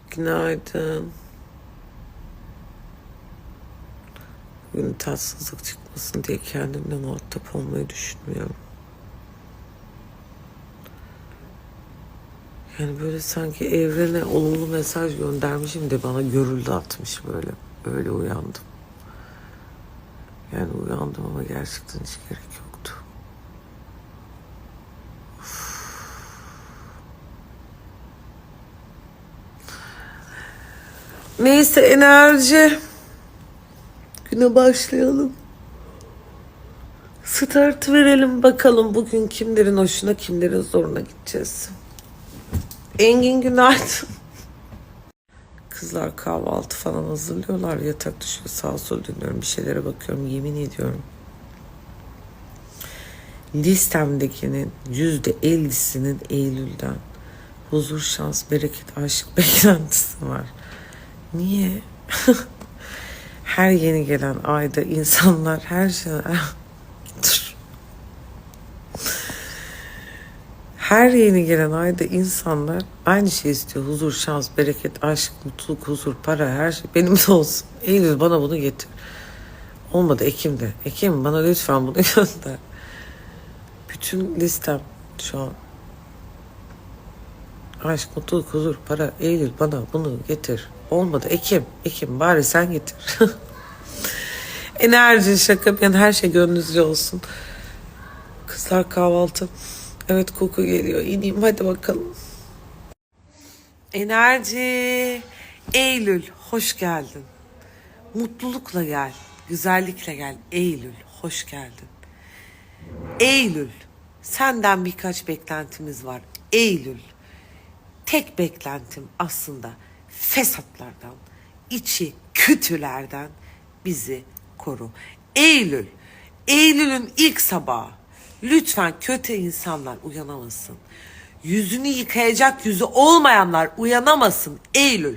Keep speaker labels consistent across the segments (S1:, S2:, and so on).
S1: Günaydın. Bugün tatsızlık çıkmasın diye kendimle muhatap olmayı düşünmüyorum. Yani böyle sanki evrene olumlu mesaj göndermişim de bana görüldü atmış böyle. Öyle uyandım. Yani uyandım ama gerçekten hiç gerek yoktu. Neyse enerji. Güne başlayalım. Start verelim bakalım bugün kimlerin hoşuna kimlerin zoruna gideceğiz. Engin günaydın. Kızlar kahvaltı falan hazırlıyorlar. Yatak düşüyor sağa sola dönüyorum. Bir şeylere bakıyorum. Yemin ediyorum. Listemdekinin %50'sinin Eylül'den huzur, şans, bereket, aşk beklentisi var. Niye? Her yeni gelen ayda insanlar her şey... Dur. Her yeni gelen ayda insanlar aynı şey istiyor. Huzur, şans, bereket, aşk, mutluluk, huzur, para, her şey benim de olsun. Eylül bana bunu getir. Olmadı Ekim'de. Ekim bana lütfen bunu gönder. Bütün listem şu an. Aşk, mutluluk, huzur, para. Eylül bana bunu getir. Olmadı Ekim. Ekim bari sen getir. Enerji, şaka yani her şey gönlünüzce olsun. Kızlar kahvaltı. Evet koku geliyor. İneyim hadi bakalım. Enerji. Eylül hoş geldin. Mutlulukla gel. Güzellikle gel. Eylül hoş geldin. Eylül senden birkaç beklentimiz var. Eylül tek beklentim aslında fesatlardan, içi kötülerden bizi koru. Eylül, Eylül'ün ilk sabahı. Lütfen kötü insanlar uyanamasın. Yüzünü yıkayacak yüzü olmayanlar uyanamasın. Eylül.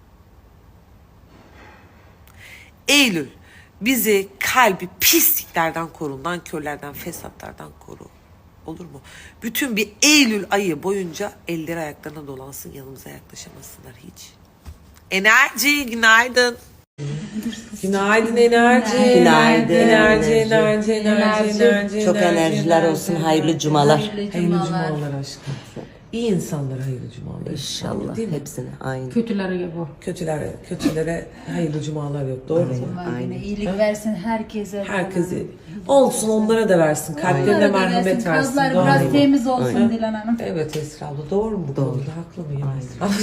S1: Eylül bizi kalbi pisliklerden koru, nankörlerden, fesatlardan koru. Olur mu? Bütün bir Eylül ayı boyunca elleri ayaklarına dolansın, yanımıza yaklaşamasınlar hiç. Enerji, günaydın. Günaydın enerji.
S2: Günaydın.
S1: Enerji.
S2: Çok enerjiler olsun, hayırlı cumalar.
S1: Hayırlı cumalar aşkım. İyi insanlara hayırlı cumalar.
S2: İnşallah
S1: Değil mi?
S2: hepsine aynı.
S3: Kötülere bu.
S1: Kötülere hayırlı cumalar yok. Doğru mu?
S3: Aynen. İyilik versin herkese.
S1: Herkese. Olsun onlara da versin. Kalplerine merhamet versin.
S3: Kazlar
S1: Doğru
S3: biraz
S1: mu?
S3: temiz olsun Dilan Hanım.
S1: Evet Esra abla doğru mu? Doğru. Haklı mıyım Esra abla?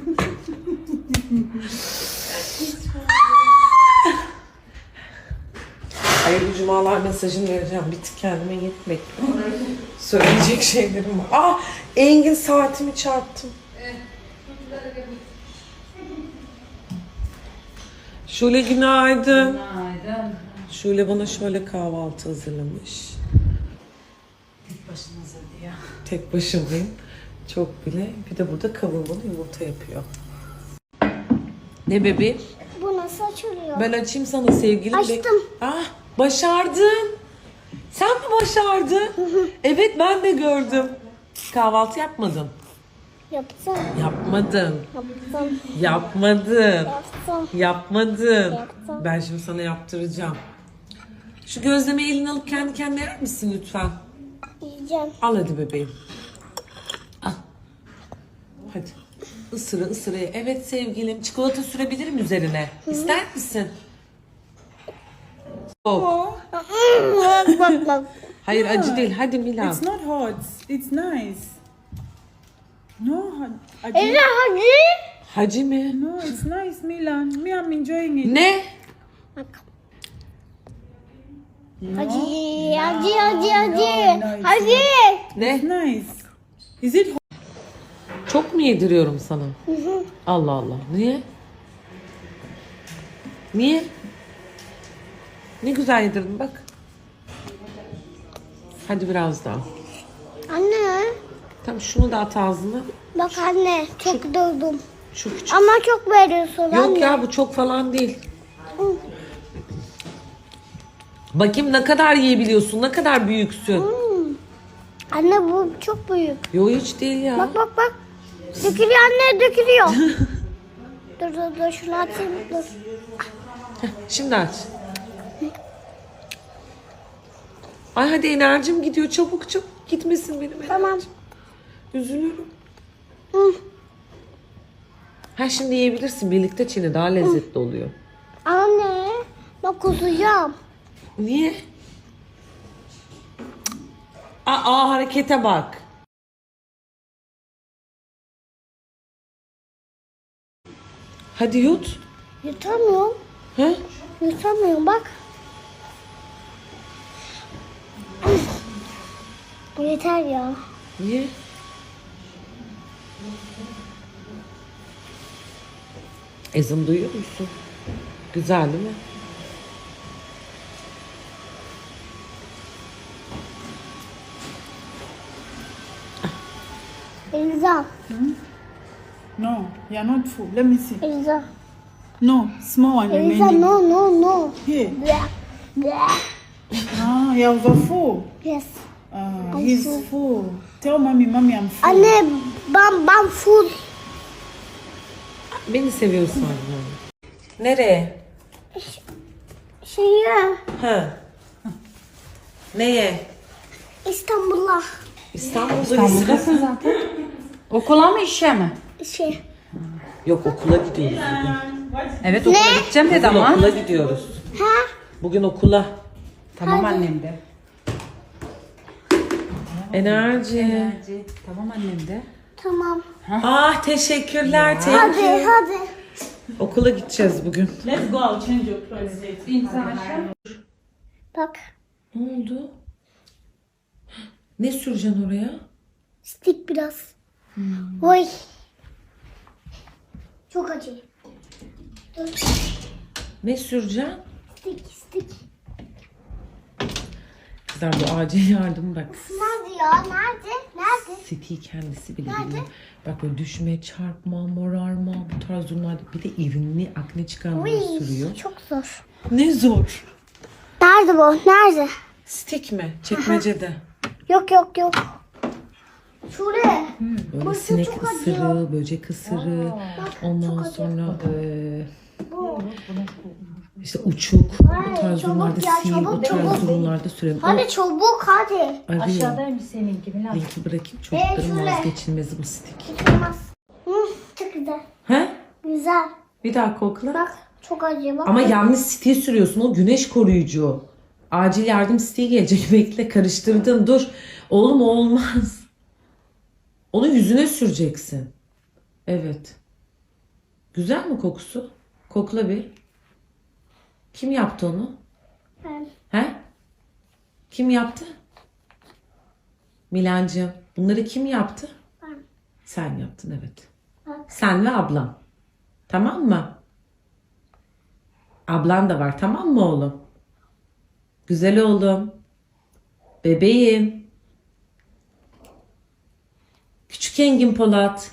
S1: Hayırlı cumalar mesajını vereceğim. Bir tık kendime yetmek. Söyleyecek şeylerim var. Ah Engin saatimi çarptım. Şule günaydın.
S3: Günaydın.
S1: Şule bana şöyle kahvaltı hazırlamış.
S3: Tek başınıza diye.
S1: Tek başımayım. Çok bile. Bir de burada kavurmalı yumurta yapıyor. Ne bebeğim?
S4: Bu nasıl açılıyor?
S1: Ben açayım sana sevgilim.
S4: Açtım.
S1: Ah başardın. Sen mi başardın? Evet ben de gördüm. Kahvaltı yapmadın.
S4: Yaptım.
S1: Yapmadın.
S4: Yaptım.
S1: Yapmadın.
S4: Yaptım.
S1: Yapmadın.
S4: Yaptım.
S1: Ben şimdi sana yaptıracağım. Şu gözlemeyi eline alıp kendi kendine yer misin lütfen?
S4: Yiyeceğim.
S1: Al hadi bebeğim. Al. Hadi. Isıra. Evet sevgilim. Çikolata sürebilirim üzerine. İster misin? Oh.
S4: Bak.
S1: Hayır acı değil. Hadi Milan.
S5: It's not hot. It's nice. No,
S4: Ela hadi.
S1: Hacı mi?
S5: no, it's nice, Milan. Me, I'm enjoying it.
S1: Ne?
S4: Bak. Hadi. Hadi.
S1: Ne?
S5: It's nice. Is it hot?
S1: Çok mu yediriyorum sana? Allah Allah. Niye? Niye? Ne güzel yedirdin bak. Hadi biraz daha.
S4: Anne.
S1: Tamam şunu da at ağzına.
S4: Bak anne çok doldum.
S1: Şu küçük.
S4: Ama çok veriyorsun anne.
S1: Yok ya bu çok falan değil. Bakayım ne kadar yiyebiliyorsun, ne kadar büyüksün.
S4: Anne bu çok büyük.
S1: Yo hiç değil ya.
S4: Bak. Dökülüyor anne dökülüyor. Dur şunu açayım dur.
S1: Şimdi aç. Ay hadi enerjim gidiyor. Çabuk gitmesin benim enerjim.
S4: Tamam.
S1: Üzülürüm.
S4: Hı.
S1: Ha şimdi yiyebilirsin. Birlikte çiğne daha lezzetli oluyor.
S4: Anne bak kusacağım.
S1: Niye? Aa harekete bak. Hadi yut.
S4: Yutamıyorum.
S1: Ha?
S4: Yutamıyorum bak. Yeter ya.
S1: Niye? Ezim duyuyor musun? Güzel değil mi?
S4: Eliza.
S5: No, you're not full. Let me see.
S4: Eliza.
S5: No, small one
S4: Eliza
S5: remaining.
S4: no.
S5: Here.
S4: Bleh. Bleh.
S5: Ah, you're full.
S4: Yes.
S5: He's full. Tell mommy, I'm full.
S4: Anne ben full.
S1: Beni seviyorsun anne. Nereye?
S4: Şeye
S1: Ha. Neye?
S4: İstanbul'a.
S3: İstanbul'dasın zaten. Okula mı işe mi?
S4: Şey.
S1: Yok okula gidiyoruz.
S3: Evet okula gideceğim dedi
S1: Bugün
S3: ama.
S1: okula gidiyoruz.
S4: Ha?
S1: Bugün okula.
S3: Tamam annem de.
S1: Enerji.
S3: Tamam annem de.
S4: Tamam.
S1: Ah teşekkürler.
S4: Hadi.
S1: Okula gideceğiz bugün.
S5: Let's go. I'll change your clothes.
S4: Bak.
S1: Ne oldu? Ne süreceksin oraya?
S4: Stick biraz. Oy. Çok acı. Dur.
S1: Ne süreceksin?
S4: Stick.
S1: Kızlar bu acil yardım bak.
S4: Nerede ya? Nerede?
S1: Siti kendisi bile biliyor. Bak böyle düşme, çarpma, morarma bu tarz durumlarda bir de irinli akne çıkarmaya sürüyor.
S4: Çok zor.
S1: Ne zor.
S4: Nerede bu? Nerede?
S1: Stik mi? Çekmecede.
S4: Yok. Şuraya.
S1: Böyle
S4: Burası
S1: sinek
S4: çok acıyor.
S1: ısırığı, böcek ısırığı. Ondan
S4: çok
S1: sonra
S4: Bu.
S1: işte uçuk. Bu tarz
S4: çabuk
S1: durumlarda
S4: ya,
S1: sil, bu
S4: çabuk,
S1: tarz
S4: çabuk.
S1: durumlarda sürelim.
S4: Hadi çabuk hadi.
S1: Arıyor.
S3: Aşağıdaymış seninki Bilal.
S1: Linki bırakayım çocukların
S4: şöyle.
S1: vazgeçilmezi bu stik.
S4: Olmaz. Çok güzel.
S1: He?
S4: Güzel.
S1: Bir daha kokla.
S4: Bak çok acı bak.
S1: Ama yanlış stiği sürüyorsun. O güneş koruyucu. Acil yardım stiği gelecek. Bekle karıştırdın. Dur. Oğlum o olmaz. Onu yüzüne süreceksin. Evet. Güzel mi kokusu? Kokla bir. Kim yaptı onu?
S4: Ben.
S1: He? Kim yaptı? Milancığım. Bunları kim yaptı?
S4: Ben.
S1: Sen yaptın evet.
S4: Bak.
S1: Sen ve ablan. Tamam mı? Ablan da var tamam mı oğlum? Güzel oğlum. Bebeğim. Küçük Engin Polat.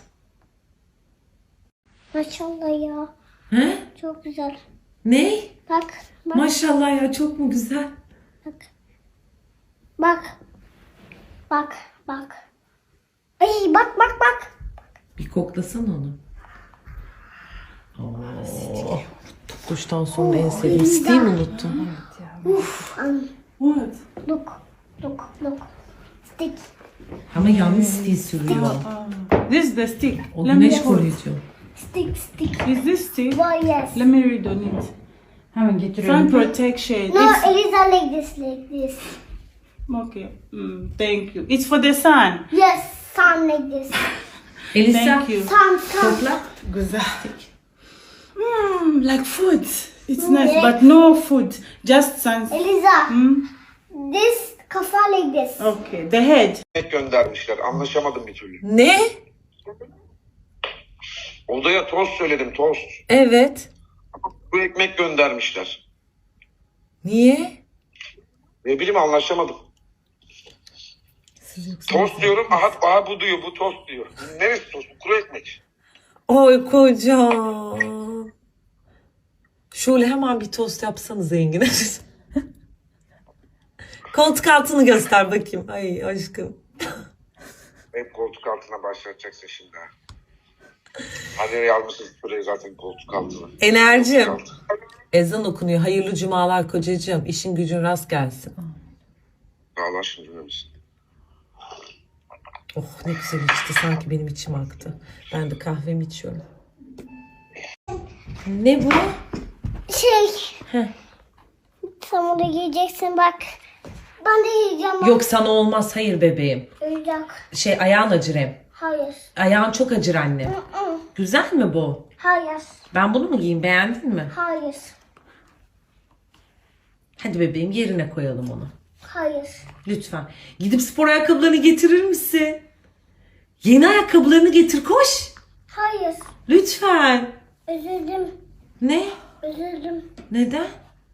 S4: Maşallah ya.
S1: He?
S4: Çok güzel.
S1: Ne?
S4: Bak.
S1: Maşallah ya çok mu güzel?
S4: Bak. Ay bak.
S1: Bir koklasana onu. Oo. Duştan sonra en sevdiğim stiği mi unuttun?
S5: What?
S4: Look. Stick.
S1: Ama yanlış stiği sürüyor.
S5: This is the stick.
S1: O
S5: Let me
S1: güneş
S5: hold.
S1: koruyucu.
S4: Stick.
S5: Is this stick?
S4: Why yes.
S5: Let me read on it.
S3: Hemen
S5: Sun
S3: getiriyorum.
S5: protection.
S4: No,
S5: It's,
S4: Eliza like this.
S5: okay. Thank you. It's for the sun.
S4: Yes, sun like this.
S1: Elisa
S5: Thank you.
S4: Sun.
S1: kokla.
S5: Güzel. Like food. It's nice, but no food. Just sun.
S4: Eliza, this kafa like this.
S5: Okay. The head.
S6: göndermişler. Anlaşamadım bir türlü.
S1: Ne?
S6: Odaya tost söyledim, tost.
S1: Evet.
S6: Bu ekmek göndermişler.
S1: Niye?
S6: Ne bileyim anlaşamadım. Tost diyorum, aha bu diyor, bu tost diyor. Neresi tost? Bu kuru ekmek.
S1: Oy kocam. Şöyle hemen bir tost yapsanız Engin'e. Koltuk altını göster bakayım. Ay aşkım.
S6: Hep koltuk altına başlatacaksın şimdi ha. Hani nereye almışsınız burayı zaten koltuk altına.
S1: Enerjim.
S6: Koltuk altı.
S1: Ezan okunuyor. Hayırlı cumalar kocacığım. İşin gücün rast gelsin.
S6: Allah aşkına dinlemişsin.
S1: Oh ne güzel içti. Sanki benim içim aktı. Ben de kahvemi içiyorum. Ne bu?
S4: Heh. Sen bunu giyeceksin bak. Ben de yiyeceğim.
S1: Yok sana olmaz. Hayır bebeğim.
S4: Oyuncak.
S1: Ayağın acır hem.
S4: Hayır.
S1: Ayağın çok acır anne.
S4: Hı.
S1: Güzel mi bu?
S4: Hayır.
S1: Ben bunu mu giyeyim? Beğendin mi?
S4: Hayır.
S1: Hadi bebeğim yerine koyalım onu.
S4: Hayır.
S1: Lütfen. Gidip spor ayakkabılarını getirir misin? Yeni ayakkabılarını getir koş.
S4: Hayır.
S1: Lütfen.
S4: Üzüldüm.
S1: Ne?
S4: Üzüldüm.
S1: Neden?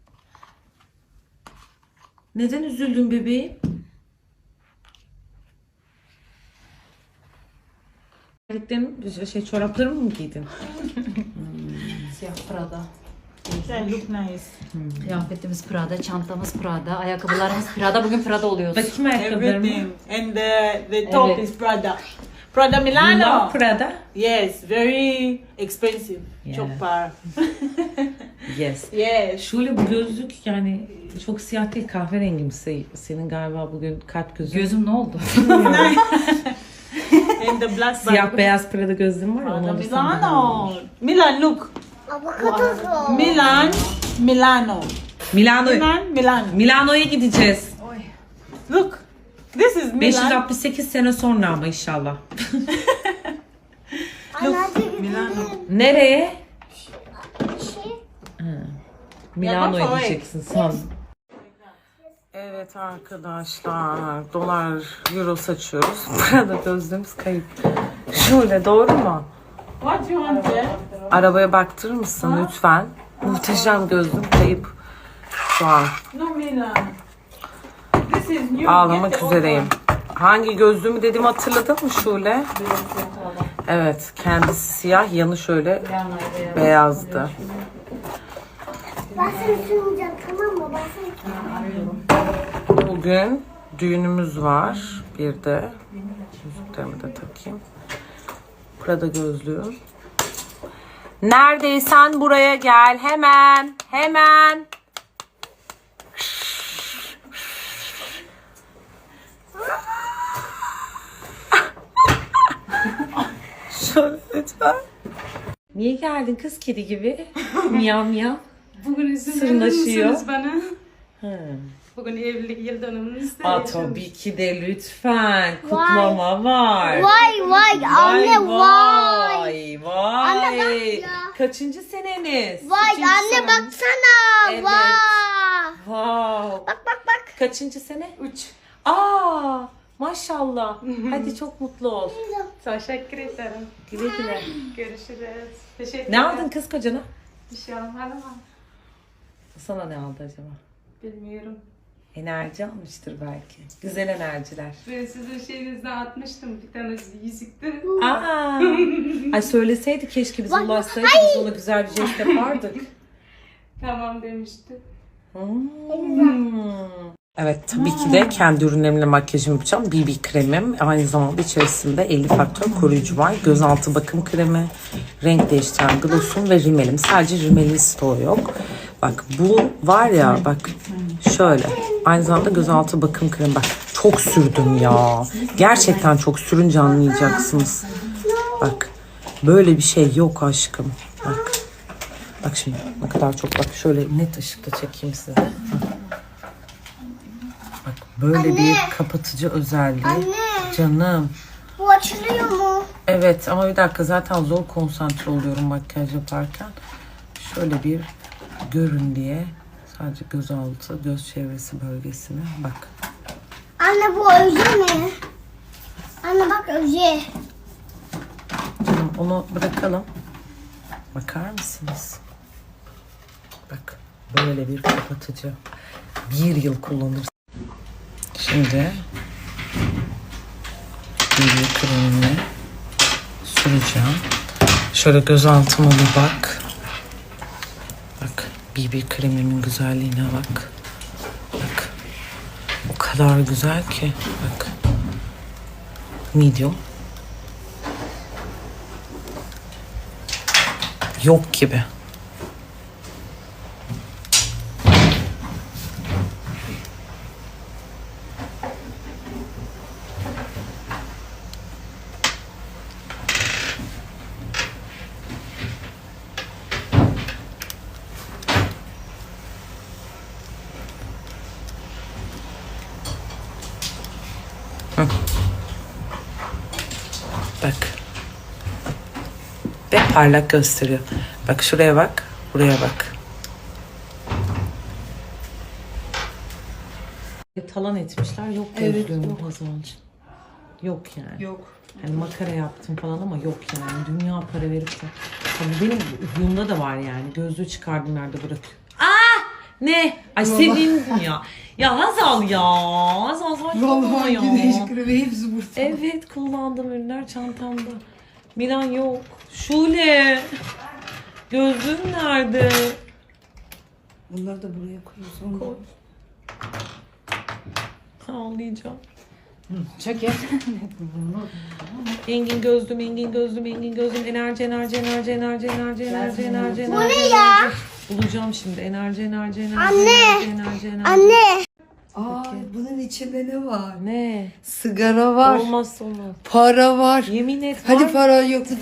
S1: Neden üzüldün bebeğim? Çoraplarımı mı giydin?
S3: Siyah Prada.
S5: They look nice.
S3: Kıyafetimiz Prada, çantamız Prada, ayakkabılarımız Prada. Bugün Prada oluyoruz.
S1: Bakayım ayakkabılarımı.
S5: Everything. And the top
S3: Evet.
S5: is Prada. Prada
S1: You
S5: Milano.
S1: love Prada?
S5: Yes, very expensive.
S1: Yeah.
S5: Çok para.
S1: Yes.
S5: Yes.
S1: Şöyle bu gözlük yani çok siyah değil kahverengi mi? Senin galiba bugün kalp gözün.
S3: Gözüm ne oldu?
S5: And the black
S1: Siyah beyaz Prada gözlüğüm var ya onu
S5: Prada
S1: alırsam daha iyi
S5: Milano.
S1: olur.
S5: Milan, look.
S4: Avokado zor.
S5: Milan, Milano. Milano.
S1: Milano'ya gideceğiz.
S5: Look. This is Milan.
S1: 568 sene sonra ama inşallah.
S4: Anne
S5: Milano.
S1: Nereye?
S4: şey.
S1: Milano'ya
S5: bak,
S1: gideceksin sen. Evet arkadaşlar dolar euro saçıyoruz. Burada gözlüğümüz kayıp. Şöyle doğru mu?
S5: What do you want there?
S1: Arabaya baktırır mısın lütfen? Muhteşem gözlüğüm kayıp. Şu an
S5: No Milan. This is new.
S1: ağlamak
S5: Get the
S1: üzereyim.
S5: old
S1: Hangi gözlüğümü dediğimi hatırladın mı Şule? Evet kendisi siyah yanı şöyle beyazdı.
S4: Ben seni sürmeyeceğim tamam mı? Ben seni
S1: Bugün düğünümüz var. Bir de yüzüklerimi de takayım. Prada gözlüğüm. Neredeysen buraya gel. Hemen. Hemen. Şöyle lütfen. Niye geldin kız kedi gibi? Miyav miyav.
S7: Bugün izin verir
S1: Sırnaşıyor.
S7: misiniz bana? Bugün evlilik yıl dönümümüzde.
S1: Aa, tabii ki de lütfen. Kutlama var.
S4: Vay anne vay.
S1: Vay vay.
S4: Anne bak ya.
S1: Kaçıncı seneniz?
S4: Vay anne baksana.
S1: Evet.
S4: Vay.
S1: Wow.
S4: Bak.
S1: Kaçıncı sene?
S7: 3.
S1: Aa, maşallah. Hadi çok mutlu ol.
S7: Teşekkür ederim.
S1: Güle güle.
S7: Görüşürüz. Teşekkür
S1: Ne aldın kız kocana?
S7: Bir şey almadım ama
S1: Sana ne aldı acaba?
S7: bilmiyorum.
S1: Enerji almıştır belki. Güzel enerjiler.
S7: Ben sizin şeyinizden atmıştım bir tane yüzüktü.
S1: Aa. Ay söyleseydi keşke bize ulaşsaydı. Biz ona güzel bir jest yapardık.
S7: Tamam demişti.
S1: Evet tabii ki de kendi ürünlerimle makyajımı yapacağım. BB kremim. Aynı zamanda içerisinde 50 faktör koruyucu var. Gözaltı bakım kremi, renk değiştiren glossum ve rimelim. Sadece rimelin stoğu yok. Bak bu var ya bak şöyle. Aynı zamanda gözaltı bakım kremi. Bak çok sürdüm ya. Gerçekten çok sürünce anlayacaksınız. Bak böyle bir şey yok aşkım. Bak. Bak şimdi ne kadar çok bak şöyle net ışıkta çekeyim size. Bak böyle bir kapatıcı özelliği.
S4: Anne.
S1: Canım.
S4: Bu açılıyor mu?
S1: Evet ama bir dakika zaten zor konsantre oluyorum makyaj yaparken. Şöyle bir görün diye sadece gözaltı, göz çevresi bölgesine bak.
S4: Anne bu öze mi? Anne bak öze.
S1: Canım onu bırakalım. Bakar mısınız? Bak böyle bir kapatıcı. 1 yıl kullanırsın. Şimdi BB kremini süreceğim. Şöyle göz altıma bir bak. Bak BB kremimin güzelliğine bak. Bak. O kadar güzel ki. Bak. Medium. Yok gibi. Bak. Ve parlak gösteriyor. Bak şuraya bak, buraya bak. Talan etmişler. Yok gözlüğüm Hazancığım. Yok yani.
S5: Yok.
S1: Hani makara yaptım falan ama yok yani. Dünya para verip de. Tabii benim huyumda da var yani. Gözlüğü çıkardım nerede bırakıyor. Ne? Ay sevindim ya. Ya Hazal ya. Hazal saçmalama ya.
S5: kremi hepsi burada.
S1: Evet kullandığım ürünler çantamda. Milan yok. Şule. Gözlüğüm nerede?
S5: Bunları da buraya koyuyorsun.
S1: Ağlayacağım.
S3: Çok iyi.
S1: Engin gözlüm, Engin gözlüm, Engin gözlüm. Enerji, enerji, enerji, enerji, enerji, enerji, enerji, enerji.
S4: Bu ne ya?
S1: Bulacağım şimdi. Enerji, enerji, enerji.
S4: Anne.
S1: Enerji, enerji.
S4: Anne.
S5: Aa, bunun içinde ne var?
S1: Ne?
S5: Sigara var.
S1: Olmazsa olmaz.
S5: Para var.
S1: Yemin et var.
S5: Hadi para yoktu.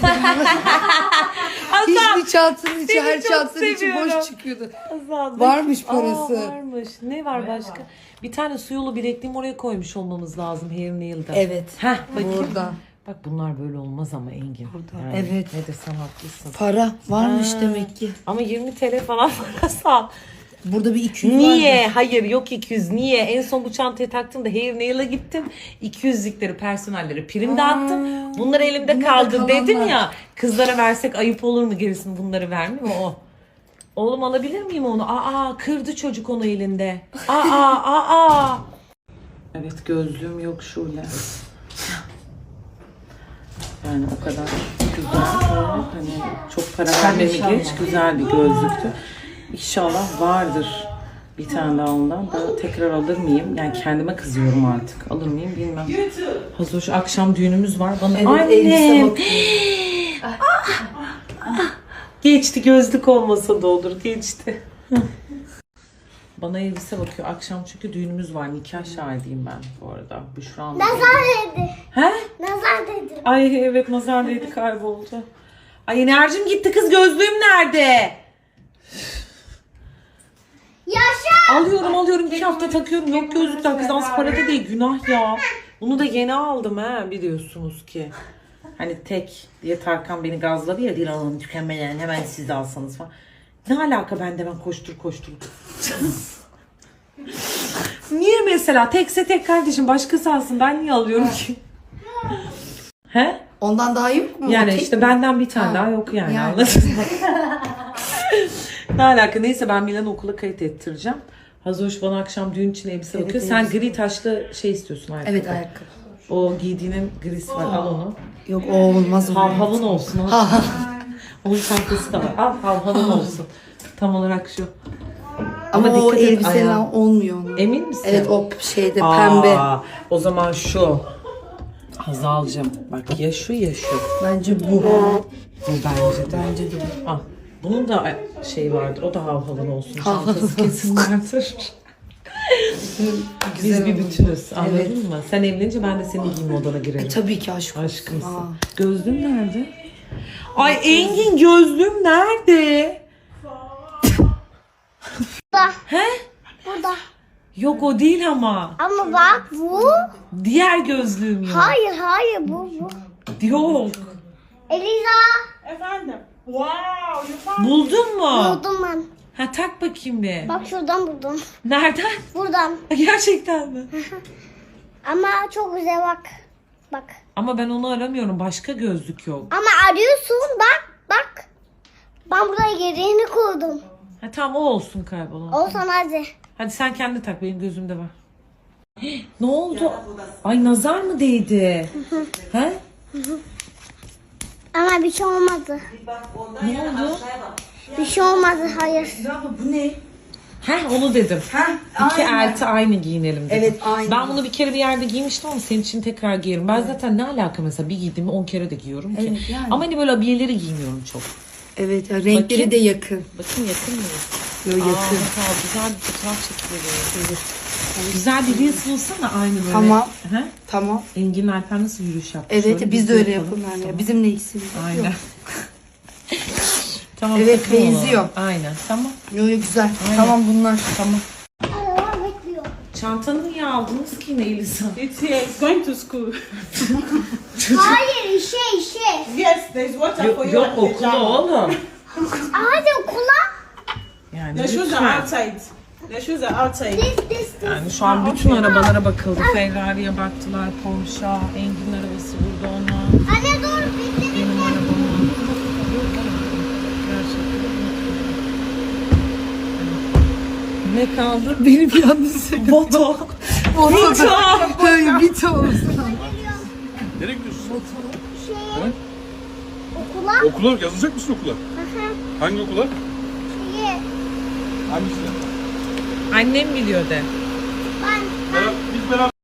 S5: Hiçbir çantanın içi,
S1: seni
S5: her
S1: çok
S5: çantanın içi
S1: seviyorum.
S5: boş çıkıyordu.
S1: Azal.
S5: Varmış parası.
S1: Varmış. Ne var başka? Bir tane su yolu bilekliğim oraya koymuş olmamız lazım Hair Nail'da.
S5: Evet.
S1: Heh, bakayım.
S5: Burada.
S1: Bak bunlar böyle olmaz ama Engin.
S5: Burada.
S1: Yani
S5: Evet.
S1: Ne desem haklısın.
S5: Para varmış
S1: Ha.
S5: demek ki.
S1: Ama 20 TL falan parası al.
S5: Burada bir 200 var.
S1: Niye? Hayır yok 200. Niye? En son bu çantayı taktığımda Hair Nail'a gittim. 200'likleri personellere prim dağıttım. Bunlar elimde
S5: bunlar da
S1: kaldı
S5: kalanlar.
S1: dedim ya. Kızlara versek ayıp olur mu gerisini bunları vermiyor mu o? Oğlum alabilir miyim onu? Aa kırdı çocuk onu elinde. Aa. Evet gözlüğüm yok şöyle. Yani o kadar güzel. Hani çok para vermemi geç güzel bir gözlüktü. İnşallah vardır bir tane daha ondan da tekrar alır mıyım? Yani kendime kızıyorum artık. Alır mıyım bilmem. Hazır şu akşam düğünümüz var. Bana annem. Geçti gözlük olmasa da olur. Geçti. Bana elbise bakıyor. Akşam çünkü düğünümüz var. Nikah şahidiyim ben bu arada. Büşra'nın.
S4: Nazar dedi.
S1: He?
S4: Nazar dedi.
S1: Ay evet nazar değdi kayboldu. Ay enerjim gitti kız gözlüğüm nerede?
S4: Yaşa.
S1: Alıyorum 2 hafta takıyorum. Yok gözlükler kız az para da değil günah ya. Bunu da yeni aldım ha biliyorsunuz ki. Hani tek diye Tarkan beni gazladı ya Dilan Hanım tükenmeyen hemen siz de alsanız falan. Ne alaka bende ben koştur. Niye mesela tekse tek kardeşim başkası alsın ben niye alıyorum ki? He?
S5: Ondan daha yok mu?
S1: Yani
S5: O tek
S1: işte
S5: mi?
S1: benden bir tane daha yok yani.
S5: Yani.
S1: Anladın mı? Ne alaka? Neyse ben Milan'ı okula kayıt ettireceğim. Hazoş bana akşam düğün için elbise bakıyor. Sen
S5: elbise.
S1: gri taşlı şey istiyorsun ayakkabı.
S5: Evet ayakkabı.
S1: O giydiğinin grisi var al onu.
S5: Yok o olmaz.
S1: Havhavın olsun. Al. Onun çantası da var. Al havhavın olsun. Tam olarak şu.
S5: Ama o
S1: dikkat et
S5: elbiseyle
S1: ayağa.
S5: olmuyor. Onun.
S1: Emin misin?
S5: Evet o şeyde pembe.
S1: O zaman şu. Hazalcığım bak ya şu ya şu.
S5: Bence bu.
S1: Bu bence de.
S5: Bence de bu.
S1: Al. Bunun da şey vardır. O da havhalı olsun. Çantası kesin vardır. Biz bir bütünüz. Anladın
S5: Evet.
S1: mı? Sen evlenince ben de senin giyim odana girerim.
S5: Tabii ki aşk olsun.
S1: Aşkımsın.
S5: Aa.
S1: Gözlüğüm nerede? Ay Engin gözlüğüm nerede?
S4: Burada.
S1: He?
S4: Burada.
S1: Yok o değil ama.
S4: Ama bak bu.
S1: Diğer gözlüğüm yok.
S4: Hayır bu.
S1: Yok.
S4: Eliza.
S1: Buldun mu?
S4: Buldum ben.
S1: Ha tak bakayım bir.
S4: Bak şuradan buldum.
S1: Nereden?
S4: Buradan.
S1: Gerçekten mi?
S4: Ama çok güzel bak. Bak.
S1: Ama ben onu aramıyorum. Başka gözlük yok.
S4: Ama arıyorsun bak. Ben buraya yerini koydum.
S1: Ha tamam o olsun kaybolan.
S4: Olsan hadi.
S1: Hadi sen kendi tak benim gözümde var. Ne oldu? Ay nazar mı değdi? He?
S4: Ama bir şey olmadı.
S1: Ne oldu?
S4: Bir şey olmadı hayır.
S5: Bu ne?
S1: He onu dedim. İki elti aynı giyinelim dedim.
S5: Evet, aynı.
S1: Ben bunu bir kere bir yerde giymiştim ama senin için tekrar giyerim. Ben zaten ne alaka mesela bir giydiğimi 10 kere de giyiyorum ki.
S5: Evet, yani.
S1: Ama hani böyle abiyeleri giymiyorum çok.
S8: Evet, ya renkleri
S1: Bakayım.
S8: de yakın.
S1: Bakın yakın mı?
S8: Yo, yakın.
S1: Aa, güzel bir fotoğraf çekilir. Güzel bir reels bulsana aynı böyle.
S8: Tamam.
S1: He?
S8: Tamam.
S1: Engin Alper nasıl yürüyüş yaptı?
S8: Evet,
S1: Şöyle
S8: biz de öyle yapalım
S1: Tamam.
S8: yani. Bizim ne eksiğimiz yok.
S1: Aynen. Tamam.
S8: Evet,
S1: takım olalım.
S8: benziyor.
S1: Aynen. Tamam.
S8: Yo, güzel.
S1: Aynen.
S8: Tamam bunlar.
S1: Tamam.
S4: Araba bekliyor.
S1: Çantanı niye aldınız ki Elisa?
S7: It's here. It's going to school.
S4: Hayır işe.
S7: Yes, there's water for you.
S1: Yok
S7: at the
S1: okula
S7: shower.
S1: oğlum.
S4: Hadi okula.
S1: Yani
S7: The shoes
S1: lütfen.
S7: are outside. The shoes are outside.
S4: This.
S1: Yani şu an bütün arabalara bakıldı. Ferrari'ye baktılar, Porsche, Engin arabası burada ona.
S4: Anne dur bekle.
S1: Benim arabam. Ne kaldı?
S8: Benim yalnız.
S1: Boto.
S8: Böyle bir olsun.
S6: Nereye gidiyorsun?
S4: Şeye. Okula.
S6: Okula yazılacak mısın okula? Hangi okula?
S4: Şeye.
S6: Hangisine?
S1: Annem biliyor de.
S4: Ben
S6: Biz beraber